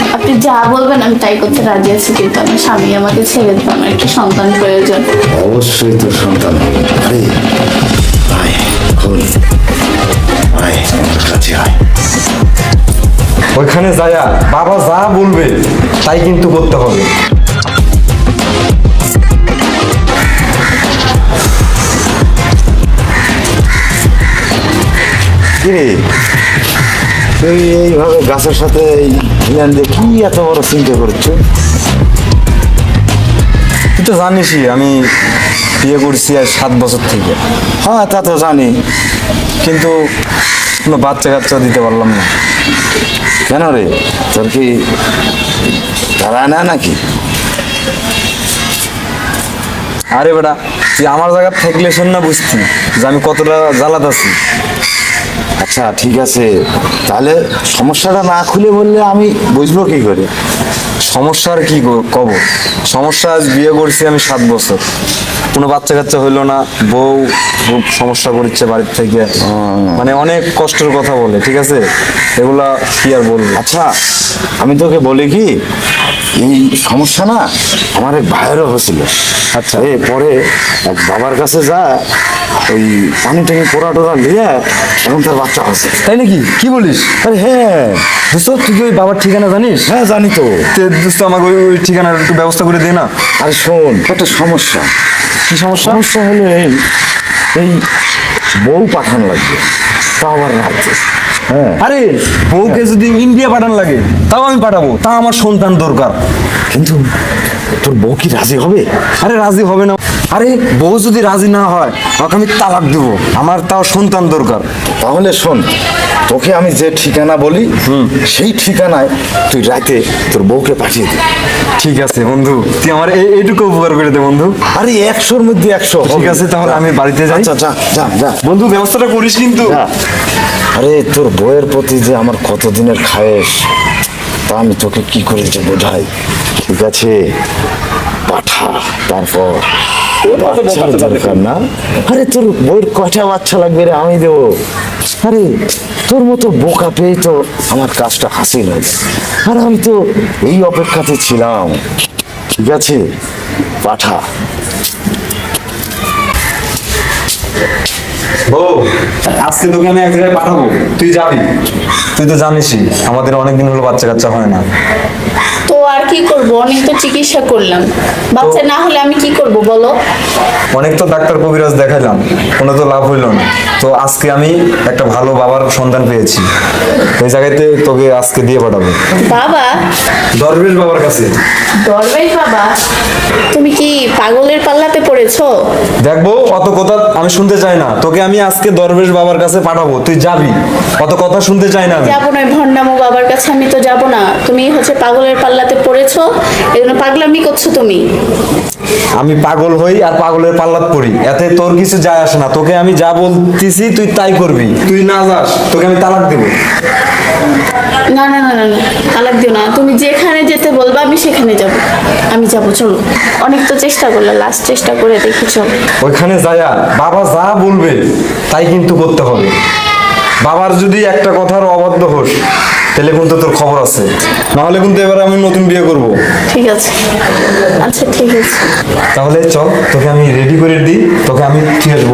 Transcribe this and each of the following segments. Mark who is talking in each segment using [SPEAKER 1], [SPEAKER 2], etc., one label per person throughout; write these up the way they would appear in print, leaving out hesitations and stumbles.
[SPEAKER 1] আপনি যা বলবেন আমি তাই করতে রাজি আছি, কিন্তু আমার স্বামী আমাকে ছেড়ে দেবে, আমার একটা সন্তান প্রয়োজন।
[SPEAKER 2] অবশ্যই তোর সন্তান। আরে আয় খোল, আয় আমার কাছে আয়।
[SPEAKER 3] ওইখানে যায়া বাবা যা বলবে তাই কিন্তু করতে হবে।
[SPEAKER 2] কিরে তুই এইভাবে গাছের সাথে হিলান দিয়ে কি এত বড় চিন্তা করছো?
[SPEAKER 3] তুই তো জানিসই আমি বিয়ে করছি আর 7 বছর থেকে,
[SPEAKER 2] হ্যাঁ তা তো জানি,
[SPEAKER 3] কিন্তু কোনো বাচ্চা কাচ্চা দিতে পারলাম না।
[SPEAKER 2] কেন রে তোর কি তারা না নাকি?
[SPEAKER 3] আরে বেটা তুই আমার জায়গা থাকলে শোন না, বুঝতি যে আমি কতটা জ্বালাত আছি।
[SPEAKER 2] আচ্ছা ঠিক আছে, তাহলে সমস্যাটা না খুলে বললে আমি বুঝবো কি করে?
[SPEAKER 3] সমস্যা আর কি কব, সমস্যা আজ বিয়ে করছি আমি 7 বছর, কোনো বাচ্চা কাচ্চা হইলো না, বউ খুব সমস্যা করছে বাড়ির থেকে, মানে অনেক কষ্টের কথা বলে, ঠিক আছে এগুলা কি আর বলবো।
[SPEAKER 2] আচ্ছা আমি তোকে বলি কি, এই সমস্যা না আমার এক ভাইয়েরও হয়েছিল। আচ্ছা এ পরে এক বাবার কাছে যা ওই পানি টানি পোড়া টোড়া নিয়ে এখন তার বাচ্চা হয়েছে।
[SPEAKER 3] তাই নাকি, কি বলিস?
[SPEAKER 2] আরে হ্যাঁ
[SPEAKER 3] দোস্ত তুই কি ওই বাবার ঠিকানা জানিস?
[SPEAKER 2] হ্যাঁ জানি তো।
[SPEAKER 3] দোস্ত আমাকে ওই ঠিকানার একটু ব্যবস্থা করে দে না।
[SPEAKER 2] আরে শোন একটা সমস্যা।
[SPEAKER 3] কি সমস্যা?
[SPEAKER 2] সমস্যা হলো এই এই বউ পাঠান লাগবে, তা আবার রাজ্যে। হ্যাঁ
[SPEAKER 3] আরে বউকে যদি ইন্ডিয়া পাঠান লাগে তাও আমি পাঠাবো, তা আমার সন্তান দরকার।
[SPEAKER 2] কিন্তু তোর বউ কি রাজি হবে?
[SPEAKER 3] আরে রাজি হবে না, আরে বউ যদি রাজি না হয় ওকে আমি তালাক দেবো, আমার তাও সন্তান দরকার।
[SPEAKER 2] তাহলে শোন, তোকে আমি যে ঠিকানা বলি সেই ঠিকানায় তুই রাতে তোর বউকে পাঠিয়ে দে।
[SPEAKER 3] ঠিক আছে বন্ধু, তুই আমার এইটুকু উপকার করে দে বন্ধু।
[SPEAKER 2] আরে 100-র মধ্যে 100।
[SPEAKER 3] ঠিক আছে তাহলে আমি বাড়িতে যাই।
[SPEAKER 2] আচ্ছা যা যা যা
[SPEAKER 3] বন্ধু ব্যবস্থাটা করিস কিন্তু।
[SPEAKER 2] যা। আরে তোর বউয়ের প্রতি যে আমার কতদিনের খায়েশ, তা আমি তোকে কি করে যে বোঝাই। ঠিক আছে পাঠা, তারপর বাচ্চার দরকার না। আরে তোর বউয়ের কয়টা বাচ্চা লাগবে রে, আমি দেবো। আরে তোর মতো বোকা পেয়ে তো আমার কাজটা হাসিল হয়েছে, আর আমি তো এই অপেক্ষাতে ছিলাম। ঠিক আছে পাঠা।
[SPEAKER 3] বউ আজকে তোকে আমি এক জায়গায় পাঠাবো, তুই যাবি। তুই তো জানিসই আমাদের অনেকদিন হলো বাচ্চা কাচ্চা হয় না।
[SPEAKER 1] তো আর কি করব, অনেক তো চিকিৎসা করলাম, বাচ্চা না হলে আমি কি করব বলো?
[SPEAKER 3] অনেক তো ডাক্তার কবিরাজ দেখাইলাম, কোনো তো লাভ হইলো না। তো আজকে আমি একটা ভালো বাবার সন্তান পেয়েছি, ওই জায়গাতে তোকে আজকে দিয়ে পাঠাবো।
[SPEAKER 1] বাবা?
[SPEAKER 3] দরবেশ বাবার কাছে।
[SPEAKER 1] দরবেশ বাবা? তুমি কি পাগলের পাল্লাতে পড়েছো?
[SPEAKER 3] দেখবো অত কথা আমি শুনতে চাই না, তোকে আমি আজকে দরবেশ বাবার কাছে পাঠাবো, তুই যাবি। অত কথা শুনতে চাই না আমি।
[SPEAKER 1] যাবো না, ভণ্ডামো বাবার কাছে আমি তো যাবো না। তুমি হচ্ছে পাগলের পাল্লাতে পড়েছো, এজন্য পাগলামি করছো তুমি।
[SPEAKER 3] আমি পাগল হই আর পাগলের পাল্লাত পড়ি, এতে তোর কিছু যায় আসে না। তোকে আমি যা বলতেছি তুই তাই করবি, তুই না যাস তোকে আমি তালাক দেবো।
[SPEAKER 1] না না না না না, তালাক দিও না। তুমি যেখানে যেতে বলবা আমি সেখানে যাব। আমি যাব, চলো। অনেক তো চেষ্টা করলে, লাস্ট চেষ্টা করে দেখি, চলো।
[SPEAKER 3] ওইখানে যায়া বাবা যা বলবে তাই কিন্তু করতে হবে। বাবার যদি একটা কথার অবাধ্য হোস তাহলে কিন্তু তোর খবর আছে, নাহলে কিন্তু এবার আমি নতুন বিয়ে করব।
[SPEAKER 1] ঠিক আছে, আচ্ছা ঠিক আছে।
[SPEAKER 3] তাহলে চল তোকে আমি রেডি করে দিই, তোকে আমি ঠিক আসবো।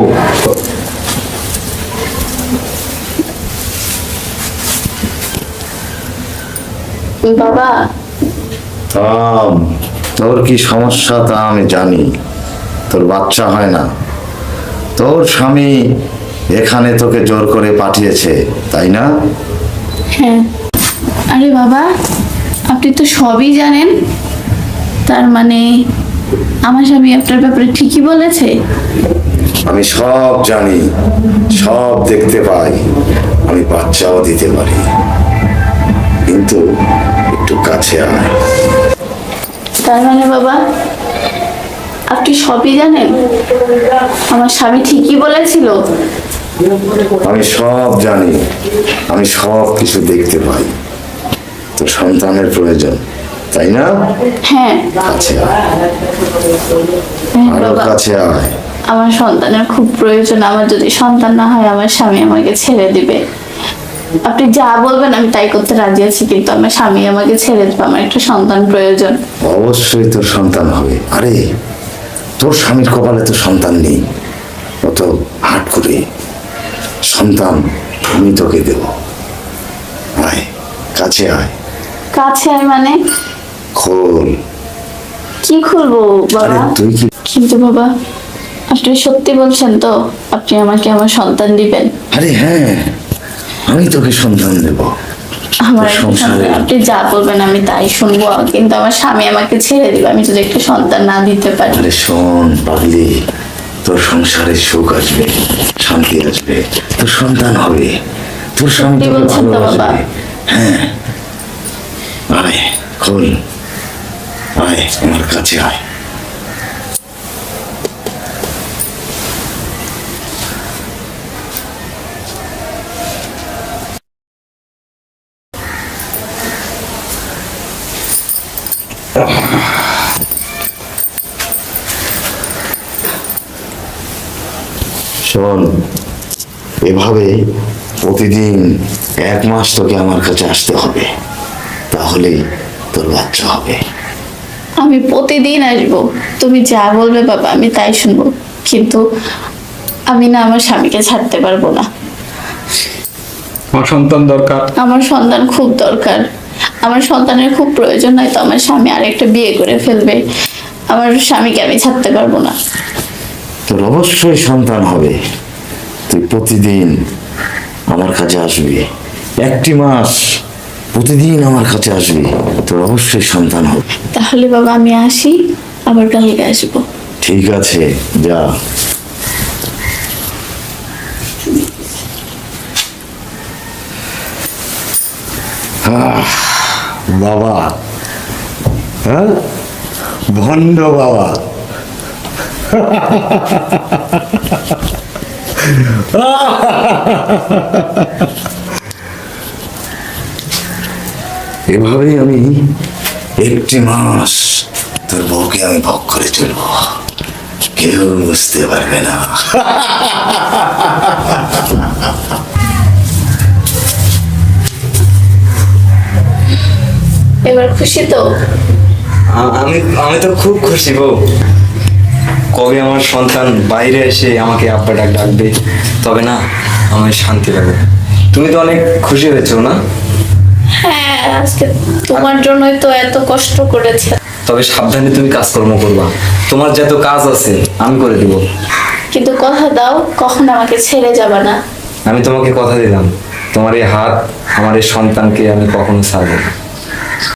[SPEAKER 1] বাবা,
[SPEAKER 2] তোর কি সমস্যা তা আমি জানি। তোর বাচ্চা হয় না, তোর স্বামী এখানে তোকে জোর করে পাঠিয়েছে, তাই না?
[SPEAKER 1] হ্যাঁ। আরে বাবা, আপনি তো সবই জানেন, তার মানে আমার স্বামী আপনার ব্যাপারে ঠিকই বলেছে?
[SPEAKER 2] আমি সব জানি, সব দেখতে পাই, আমি বাচ্চাও দিতে পারি, কিন্তু একটু কাছে আয়।
[SPEAKER 1] তার মানে বাবা আপনি সবই জানেন, আমার স্বামী ঠিকই বলেছিল?
[SPEAKER 2] আমি সব জানি, আমি সব কিছু দেখতে পাই। তোর সন্তানের প্রয়োজন, তাই না?
[SPEAKER 1] হ্যাঁ।
[SPEAKER 2] কাছে আয়,
[SPEAKER 1] হ্যাঁ
[SPEAKER 2] আরো
[SPEAKER 1] বাবা,
[SPEAKER 2] কাছে আয়।
[SPEAKER 1] আমার সন্তানের খুব প্রয়োজন। আমার যদি সন্তান না হয় আমার স্বামী আমাকে ছেড়ে দিবে। আপনি যা বলবেন আমি তাই করতে রাজি আছি, কিন্তু আমার স্বামী আমাকে ছেড়ে দেবে, আমার একটা সন্তান প্রয়োজন।
[SPEAKER 2] অবশ্যই তোর সন্তান হবে। আরে তোর স্বামীর কপালে তো সন্তান নেই, অত হাট করে সন্তান আমি তোকে দেব। আয়, কাছে আয়।
[SPEAKER 1] কাছে আমি মানে
[SPEAKER 2] খোল।
[SPEAKER 1] কি খুলবো
[SPEAKER 2] আরে
[SPEAKER 1] বাবা?
[SPEAKER 2] তুই কি?
[SPEAKER 1] কিন্তু বাবা, আপনি সত্যি বলছেন তো আপনি আমাকে আমার সন্তান দিবেন?
[SPEAKER 2] আরে হ্যাঁ, আমি তোকে সন্তান দেব।
[SPEAKER 1] আমার
[SPEAKER 2] তোর
[SPEAKER 1] একটা
[SPEAKER 2] সংসারে
[SPEAKER 1] সন্তান, আপনি যা বলবেন আমি তাই শুনবো, কিন্তু আমার স্বামী আমাকে ছেড়ে দিবে আমি যদি একটা সন্তান না দিতে পারি।
[SPEAKER 2] আরে শোন পাগলি, তোর সংসারে সুখ আসবে, শান্তি আসবে, তোর সন্তান হবে, তোর স্বামী
[SPEAKER 1] সত্যি
[SPEAKER 2] তোকে
[SPEAKER 1] বলছেন তো বাবা?
[SPEAKER 2] ভালোবাসবে। হ্যাঁ, আয় খোল, আয় আমার কাছে আয়। শোন, এভাবে প্রতিদিন 1 মাস তোকে আমার কাছে আসতে হবে, তাহলেই তোর বাচ্চা হবে।
[SPEAKER 1] আমি প্রতিদিন আসবো, তুমি যা বলবে বাবা আমি তাই শুনবো, কিন্তু আমি না আমার স্বামীকে ছাড়তে পারবো না।
[SPEAKER 4] আমার সন্তান দরকার।
[SPEAKER 1] আমার সন্তান খুব দরকার, আমার সন্তানের খুব প্রয়োজন, নয়তো আমার স্বামী আরেকটা বিয়ে করে ফেলবে। আমার স্বামীকে আমি ছাড়তে পারবো না।
[SPEAKER 2] তোর অবশ্যই সন্তান হবে, তুই প্রতিদিন আমার কাছে আসবি, 1 মাস প্রতিদিন আমার কাছে আসবি, তোর অবশ্যই সন্তান হবে।
[SPEAKER 1] তাহলে বাবা আমি আসি, আবার কালকে আসবো।
[SPEAKER 2] ঠিক আছে, যা। বাবা, হ্যাঁ, ভণ্ড বাবা। এভাবেই আমি 1 মাস তোর বউকে আমি ভোগ করে চলবো, কেউ বুঝতে পারবে না।
[SPEAKER 1] এবার খুশি তো?
[SPEAKER 3] আমি আমি তো খুব খুশি বউ। কবে আমার সন্তান বাইরে এসে আমাকে আব্বা ডাকবে, তবে না আমার শান্তি লাগবে। তুমি তো অনেক খুশি হয়েছো না?
[SPEAKER 1] হ্যাঁ, আজকে তোমার জন্যই তো এত কষ্ট করেছে।
[SPEAKER 3] তবে সাবধানে তুমি কাজকর্ম করবা, তোমার যত কাজ আছে আমি করে দিব।
[SPEAKER 1] কিন্তু কথা দাও কখন আমাকে ছেড়ে যাবে না।
[SPEAKER 3] আমি তোমাকে কথা দিলাম, তোমার এই হাত আমার এই সন্তানকে আমি কখনো ছাড়বো না।